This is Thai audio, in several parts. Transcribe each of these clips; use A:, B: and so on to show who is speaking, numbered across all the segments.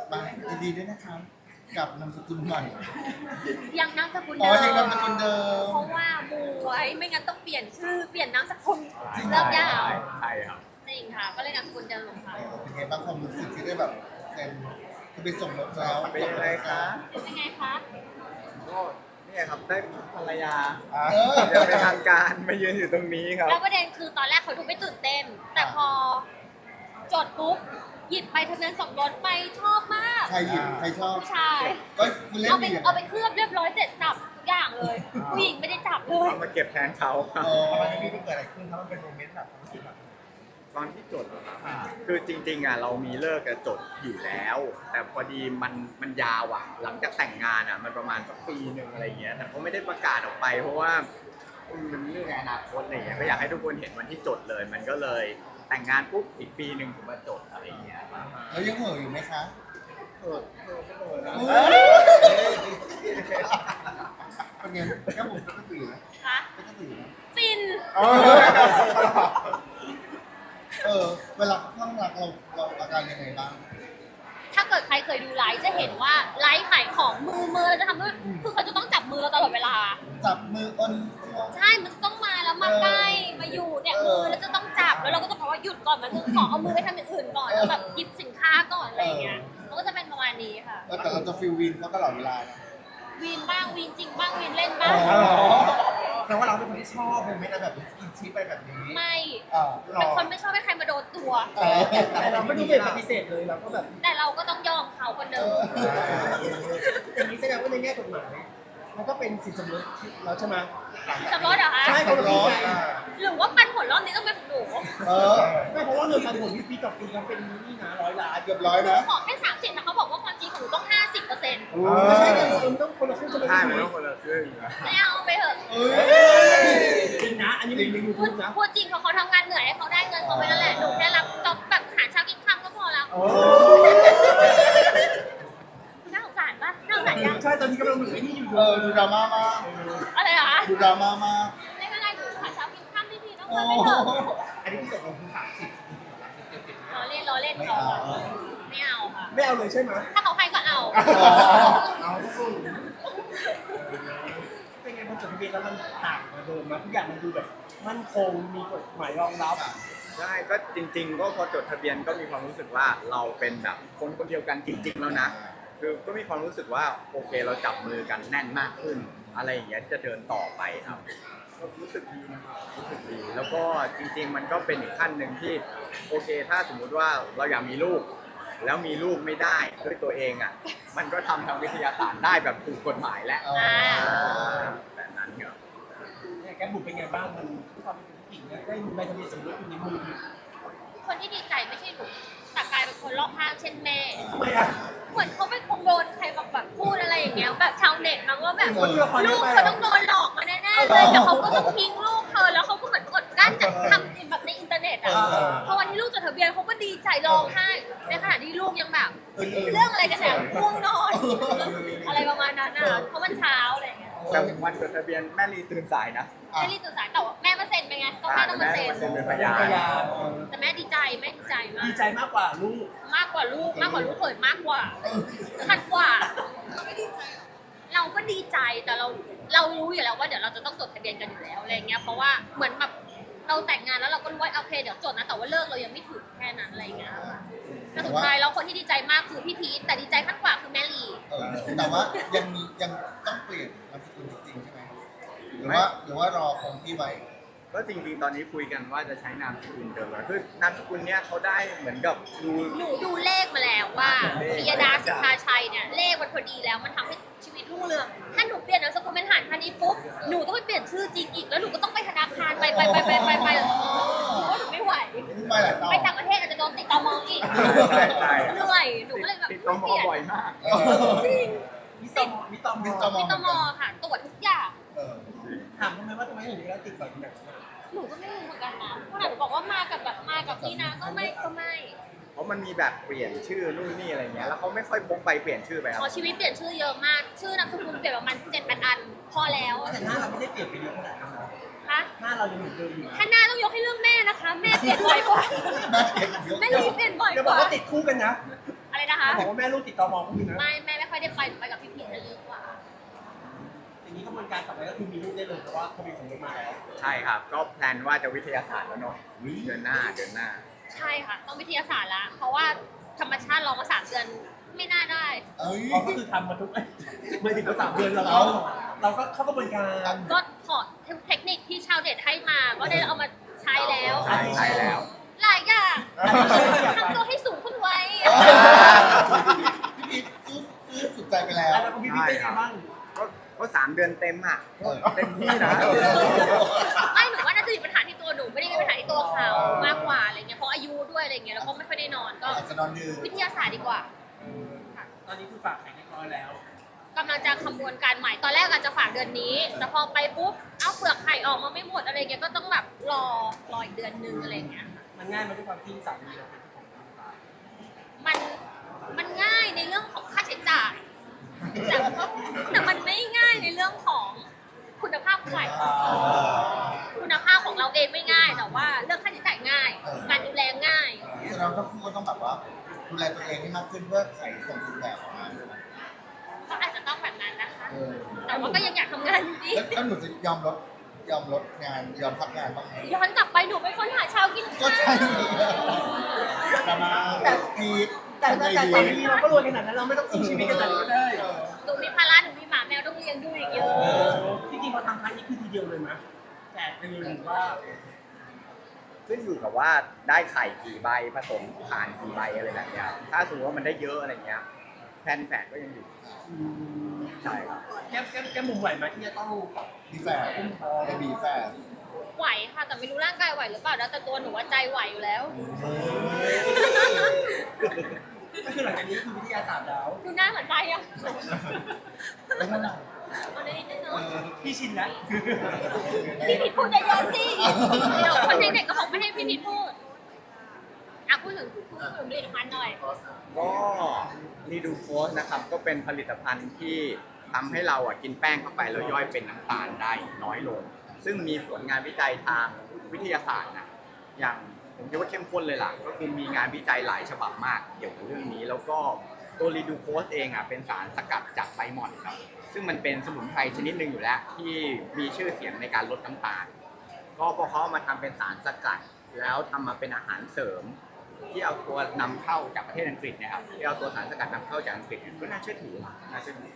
A: ไปยินดีด้วยนะครับกับนามสกุลใหม่
B: ยังนามสกุล
A: อ๋อ
B: เดิ
A: ยัง
B: ม
A: นามสกุลเดิม
B: เพราะว่ามูไว้ไม่งั้นต้องเปลี่ยนชื่อเปลี่ยนนามสกุล
A: จริงเหรอ
B: เริ่มยาว
C: ใช่ครับ
B: จริงค่ะ ก็เลยนามสกุลเดิมค่ะ
A: เป็นไงบ้างความรู้สึกที่ได้แบบเซ็นคือไปส่งรถแล้ว
C: เป็นยังไงคะ
B: เป็นไงคะ
C: ก็เนี่ยครับได้ภรรยา
A: เออ
C: ยังเป็นทางการมายืนอยู่ตรงนี้ครับ
B: แล้วประเด็นคือตอนแรกเขาดูไม่ตื่นเต้น แต่พอจดปุ๊บหยิบใบทะเบียนสมรสไปชอบมาก
A: ใครหยิบใครชอบ
B: ผู้ชาย
A: ก็คุณเล่น
B: เอาไป
A: ดี
B: เอาไปเคลือบเรียบร้อยเสร็จสับทุกอย่างเลยผู้หญิงไม่ได้จับเลย
C: เอามาเก็บแทนเขาครับ
A: เออ
D: ตอนนี้มันเกิดอะไรขึ้นครับมันเป็นโมเมนต์แบบความรู้สึกแบบ
C: ตอนที่จดอะครับคือจริงๆอ่ะเรามีเลิกกับจดอยู่แล้ว แต่พอดีมันยาวอ่ะ หลังจากแต่งงานอ่ะมันประมาณสักปีหนึ่งอะไรเงี้ยแต่เขาไม่ได้ประกาศออกไป เพราะว่ามันเรื่องในอนาคตอะไรเงี้ยก็อยากให้ทุกคนเห็นวันที่จดเลย มันก็เลยแต่งงานปุ๊บอีกปีหนึ่งถึงมาจดอะไรเงี้ย
A: แล้วยังเห่ออยู่ไหมคะ เป็นไงแค่ผมก็ตื่นนะ
B: คะ
A: ก็ตื่นนะ
B: ฟิน
A: เวลาข้างรักเราอาการยังไงบ้าง
B: ถ้าเกิดใครเคยดูไลฟ์จะเห็นว่าไลฟ์ขายของมือเราจะทำด้วยคือเขาจะต้องจับมือเราตลอดเวลา
A: จับมืออ้น
B: ใช่ มันจะต้องมาแล้วมาใกล้มาอยู่เนี่ยมือแล้วจะต้องจับแล้วเราก็ต้องบอกว่าหยุดก่อนมันต้องขอเอามือไปทำอย่างอื่นก่อนแล้วแบบหยิบสินค้าก่อนอะไรอย่างเงี้ยมันก็จะเป็นประมาณนี้ค่ะ
A: แต่เราจะฟิลวินเขาตลอดเวลานะ
B: วีนบ้างวีนจริงบ้างวีนเล่นบ้าง
D: แต่ว่าเราเป็นคนที่ชอบโมเมนต์อะไรแบบกินชีสไปแบบนี้
B: ไม่
A: อ่า
B: เป็นคนไม่ชอบให้ใครมาโดนตัว
D: แต่เราไม่ได้เป็นปฏิเสธเลยเราก็แบบ
B: แต่เราก็ต้องยอมเขาคนเดิม
D: อย่างนี้แสดงว่าในแง่กฎหมายมันก็เป็นสินสมรสเราใช่ไหม
B: สำรสเหรอคะ
D: ใช่คนละครึ่งไง
B: หรือว่าปันผลรอบนี้ต้องเป็นของหนู
D: ไม่เพราะว่าเงินปันผลที่ปีต่อปีเขาเป็นนี่นะ100 ล้าน
A: เกือบร้อย
B: หนู
A: นะ
B: ขอแค่30นะเขาบอกว่าความจริงของหนูต้อง50%
D: ไม่ใช่เงินมันต้องคนละครึ่งจะไม่
C: ใช่
D: ได้
C: มันต้องคนละครึ่งนะ
B: ไม่เอาไปเถอะ
D: จริงนะ อันนี้เป็นในยู
B: พู
D: ทู
B: ด
D: บนะ
B: พูดจริงเพราะเขาทำงานเหนื่อยให้เขาได้เงินเขาไปนั่นแหละหนูแค่รับจ็อบแบบหาเช้ากินค่ำก็พอแล้วน่าสงสารปะน่าสงสารยัง
D: ใช่ตอนนี้กำลังเหมือนไอ้นี่อยู่
A: ดูดราม่ามาก
B: อะไรเหรอคะ
A: ดูดราม่ามาก
B: ไม่เป็นไรหนูหาเช้ากินค่ำพี่ๆต้อง
A: โอ้
B: เงินไปเถอะ
D: อันนี้ที่ตกลงคือ30
B: ล้อเล่นล้อเล่นเขาอะไม่เอาค่ะ
D: ไม่เอาเลยใช่ไหม
B: ถ้าเขาให้ก็เอา
D: เอาสู้เป็นไงพอจดทะเบียนแล้วมันต่างมาเดิมนะทุกอย่างมันดูแบบมั่นคงมีกฎหมายรองรับ
C: ใช่ก็จริง ๆ ก็พอจดทะเบียนก็มีความรู้สึกว่าเราเป็นแบบคนคนเดียวกันจริง ๆ แล้วนะ คือก็มีความรู้สึกว่าโอเคเราจับมือกันแน่นมากขึ้น อะไรอย่างเงี้ยที่จะเดินต่อไปครับก็รู้สึกดีนะครับรู้สึกดี แล้วก็จริง ๆ มันก็เป็นอีกขั้นหนึ่งที่โอเค ถ้าสมมุติว่าเราอยากมีลูก แล้วมีลูกไม่ได้ด้วยตัวเองอ่ะ มันก็ทำทางวิทยาศาสตร์ได้แบบถูกกฎหมายแล้วแบบนั้นครับ
D: เนี่ยแกบุกเป็นไงบ้างมันความเป็นผู้หญิงนะได้ใบทะเบียนสมรสอยู่ในมือ
B: คนที่ดีใจไม่ใช่หนูแต่กลายเป็นคนรอบข้างเช่นแม่
D: ทำไมอ่ะ
B: เหมือนเขาไปคงโดนใครแบบพูดอะไรอย่างเงี้ยแบบชาวเน็ตมันก็แบบ
D: คนที่ละคร
B: ลูก
D: ไป
B: เขาต้องโดนหลอกมาแน่ๆเลยแต่เขาก็ต้องทิ้งลูกเธอแล้วเขาก็เหมือนกดกั้นจากทำแบบในอินเทอร์เน็ตอ่ะพอวันที่ลูกจดทะเบียนเขาก็ดีใจร้องไห้ในขณะที่ลูกยังแบบเรื่องอะไรกันเนี่ยง่วงนอนอะไรประมาณนั้นอ่ะเพราะมันเช้าอะไรอย่างเงี้ย
C: แต่วันจดทะเบียนแม่ลีตื่นสายนะ
B: แม่รีบตื่นสายแต่ว่าแม่มาเซ็นไปไงก็แม่ต้องมาเซ็น
C: แม่เป็นพยาน
D: พยาน
B: แต่แม่ดีใจแม่ดีใจมาก
D: ดีใจมากกว่าลูก
B: มากกว่าลูกเขยมากกว่าขัดกว่า เราก็ดีใจแต่เรารู้อยู่แล้วว่าเดี๋ยวเราจะต้องจดทะเบียนกันอยู่แล้วอะไรเงี้ยเพราะว่าเหมือนแบบเราแต่งงานแล้วเราก็รู้ว่าโอเคเดี๋ยวจดนะแต่ว่าเลิกเรายังไม่ถึงแค่นั้นอะไรเงี้ยค่ะแต่สุดท้ายแล้วคนที่ดีใจมากคือพี่พีทแต่ดีใจขั้นกว่าคือแม่ลี
A: แต่ว่ายังต้องเปลี่ยนนามสกุลจริงๆใช่ไหมหรือว่ารอคงที่ไว้
C: ก็จริงๆ ตอนนี้คุยกันว่าจะใช้นามสกุลเดิมแล้วคือนามสกุลเนี้ยเขาได้เหมือนกับดู
B: หนูดูเลขมาแล้วว่าปิยดาสิทธาชัยเนี่ยเลขมันพอดีแล้วมันทำให้ชีวิตรุ่งเรืองถ้าหนูเปลี่ยนนามสกุลเป็นหานพาณิชย์ปุ๊บหนูต้องไปเปลี่ยนชื่อจริงอีกแล้วหนูก็ต้องไปธนาคารไปหนูว่าหนูไม่ไหว
A: ไม่หลายต่อ
B: ไปต่างประเทศอาจจะโดนติดตมอีก
C: ใช่ใช่
B: เหนื่อยหนูก็เลยแบบ
C: ติดต่อมอบ่อยมาก
B: จริง
D: มิตรม
A: มิ
D: มิ
A: ส
D: ต
A: เตอ
D: ร
A: ร์
D: ม
B: ติดตมค่ะตรวจทุกอย่าง
D: ถามทำไมว่าทำไมถึงได้ติดแบบนั้น
B: หนูก็ไม่รู้เหมือนกันนะเพราะหนูบอกว่ามากับนี่นะก็ไม่
C: เพราะมันมีแบบเปลี่ยนชื่อนู่นนี่อะไรเงี้ยแล้วเขาไม่ค่อยพกไปเปลี่ยนชื่อไปค
B: พ
C: รั
B: อบ ชีวิตเปลี่ยนชื่อเยอะมากชื่อนามสกุลเปลี่ยนประมาณ7-8 อันพอแล้ว
D: แต่หน้าเราไม่ได้เปลี่ยนไปเยอะขนาดนั้น
B: ฮคะ
D: หน้าเรายังเหมือนเดิมอยู่นะ
B: ถ้าหน้าต้องยกให้เรื่องแม่นะคะ แม่เปลี่ยนบ่อยกว่า แม่ลีเปลี่ยนบ่อย
D: จะ
B: ก
D: บอก
B: ว่า
D: ว่าติดคู่กันนะ
B: อะไรนะคะ
D: บอกว่าแม่ลูกติดต่อมองคู่กันนะ
B: แม่ไม่ค่อยได้ไปไปกับพี่พีชจะเยอะกว่า
D: อย่างนี้กระบวนการต่อไปก็คือมีลูกได้เลยเพราะว่าเขามีสมรสมาแล้ว
C: ใช่ครับ ก็แพลนว่าจะวิทยาศาสตร์แล้วเนาะเดือนหน้า
B: ใช่ค่ะ ต้องวิทยาศาสตร์ละเพราะว่าธรรมชาติรอมา3 เดือนไม่น่าได้
A: เอ้ย
D: เราก็คือทำมาทุกไม่ถึงก็3 เดือนเราก็เข้ากระบวนการ
B: ก็ขอเทคนิคที่ชาวเน็ตให้มา ก็ได้เอามาใช้แล้ว
C: ใช่แล้ว
B: หลายอย่างทำตัวให้สูงขึ้นไว้
A: พี่พีทซื้อสุดใจไปแล้ว
D: แล้วก็พี่เป็นยังไงบ้าง
C: ก็3 เดือนเต็มอ่ะเต็มที่นะ
B: ไม่หนูว่าน่าจะมีปัญหาที่ตัวหนูไม่ได้มีปัญหาที่ตัวเขามากกว่าอะไรเงี้ยเพราะอายุด้วยอะไรเงี้ยแล้วก็ไม่ค่อยได้นอนก็
A: อาจจะนอนดึก
B: วิทยาศาสตร์ดีกว่า
D: ตอนนี้คือฝากแข่งเรียบร้อยแล้ว
B: กำลังจะคำนวณการใหม่ตอนแรกอาจจะฝากเดือนนี้ แต่พอไปปุ๊บเอาเปลือกไข่ออกมาไม่หมดอะไรเงี้ยก็ต้องแบบรออีกเดือนนึงอะไรเงี้ย
D: มันง่ายมันด้วยความที่สามีเราเป็นเจ้าของร้านปลา
B: มันง่ายในเรื่องของค่าใช้จ่ายแต่มันไม่ง่ายในเรื่องของคุณภาพไข่คุณภาพของเราเองไม่ง่ายแต่ว่าเรื่องค่าใช้จ่ายง่าย การดูแลง่าย
A: แสดงว่าทั้งคู่ก็ต้องแบบว่าดูแลตัวเองให้มากขึ้นเพื่อไข่สมบูรณ์แบบออกมา
B: ก็อาจจะต้องแบบนั้นนะคะ
A: เออ
B: แต่ว่าก็ยังอยากทำงานอยู่ดี
A: แล้วหนูจะยอมลดงานยอมพักงานบ้างไหม
B: ย้อนกลับไปหนูเป็นคนหาเช้ากิน
A: ก็
B: ข้าว
A: ใช่แต่มาพีท
D: แต่สามีเราก็รวยขนาดนั้นเราไม่ต้องสู้ชีวิตขนาดนี้ก็ได้
B: หนูมีภาระหนูมีหมาแมวต้องเลี้ยงดูอีกเยอะ
D: จริงๆพอทำครั้งนี้คือทีเดียวเลยมั้ยแต่ไปเลยหรือว่า
C: ขึ้นอยู่กับว่าได้ไข่กี่ใบผสมผ่านกี่ใบอะไรแบบเนี้ยถ้าสมมติว่ามันได้เยอะอะไรเงี้ยแพลนแฝดก็ยังอยู่ใช่ครับ
D: แก้มุมไหวไหมที่จะต้อง
A: มีแฝดจะมีแฝด
B: ไหวค่ะแต่ไม่รู้ร่างกายไหวหรือเปล่านะแต่ตัวหนูว่าใจไหวอยู่แล้ว
D: ก็คือหลังจากนี้คือวิทยาศาสตร์แล้ว
B: ดูหน้าเหมือนใจอะ
A: แล้วเท่าไหร่
B: เอาได้นิดนึงเนาะ
D: พี่ชินแล้ว
B: พี่พีทพูดเยอะๆสิเดี๋ยวคนเด็กๆก็บอกไม่ให้พี่พีทพูดอ่ะพูดถึงผลิตภัณฑ์หน่อย
C: ก็รีดูโฟสนะครับก็เป็นผลิตภัณฑ์ที่ทำให้เรากินแป้งเข้าไปแล้วย่อยเป็นน้ำตาลได้น้อยลง ซึ่งมีผลงานวิจัยทางวิทยาศาสตร์นะอย่างผมคิดว่าเข้มข้นเลยล่ะก็คือมีงานวิจัยหลายฉบับมากเกี่ยวกับเรื่องนี้ แล้วก็ตัวรีดูโฟสเองเป็นสารสกัดจากใบหม่อนครับซึ่งมันเป็นสมุนไพรชนิดหนึ่งอยู่แล้ว ที่มีชื่อเสียงในการลดน้ำตาล ก็พอเขาเอามาทำเป็นสารสกัด แล้วทำมาเป็นอาหารเสริม ที่เอาตัวนำเข้าจากประเทศอังกฤษนะครับที่เอาตัวสารสกัดนำเข้าจากอังกฤษก็น่าเชื่อถือน่าเชื่อถือ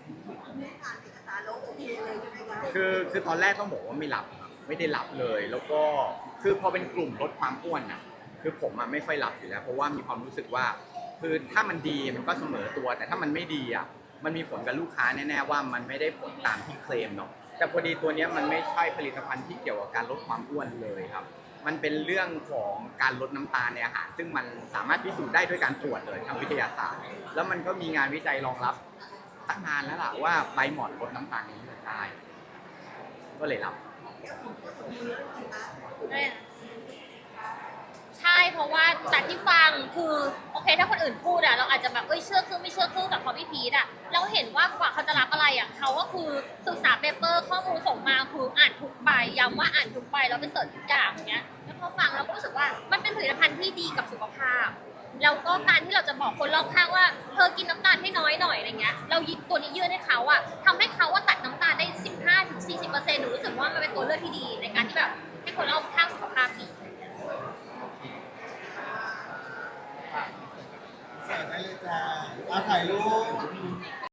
C: คือตอนแรกต้องบอกว่าไม่ได้หลับเลย แล้วก็คือพอเป็นกลุ่มลดความอ้วนนะคือผมไม่ค่อยหลับอยู่แล้ว เพราะว่ามีความรู้สึกว่าคือถ้ามันดีมันก็เสมอตัว แต่ถ้ามันไม่ดีมันมีผลกับลูกค้าแน่ๆว่ามันไม่ได้ผลตามที่เคลมเนาะแต่พอดีตัวนี้มันไม่ใช่ผลิตภัณฑ์ที่เกี่ยวกับการลดความอ้วนเลยครับมันเป็นเรื่องของการลดน้ำตาลในอาหารซึ่งมันสามารถพิสูจน์ได้ด้วยการตรวจเลยทางวิทยาศาสตร์ แล้วมันก็มีงานวิจัยรองรับตั้งนานแล้วล่ะว่าใบหม่อนลดน้ำตาลในเลือดได้ก็เลยรับ
B: ใช่เพราะว่าจากที่ฟังคือโอเคถ้าคนอื่นพูดเราอาจจะแบบเชื่อครึ่งไม่เชื่อครึ่งแต่พอพี่พีทเราเห็นว่ากว่าเขาจะรับอะไรเขาก็คือศึกษาเปเปอร์ข้อมูลส่งมาคืออ่านทุกใบย้ำว่าอ่านทุกใบแล้วไปเสิร์ชทุกอย่างอย่างเงี้ยแล้วพอฟังเราก็รู้สึกว่ามันเป็นผลิตภัณฑ์ที่ดีกับสุขภาพแล้วก็การที่เราจะบอกคนรอบข้างว่าเธอกินน้ำตาลให้น้อยหน่อยอะไรเงี้ยเราหยิบตัวนี้ยื่นให้เขาทำให้เขาตัดน้ำตาลได้ 15-40%หนูรู้สึกว่ามันเป็นตัวเลือกที่ดีในการที่แบบให้คนรอบข้างสุขภาพดี
A: ใส่ได้เลยจ้าเอาถ่ายรูป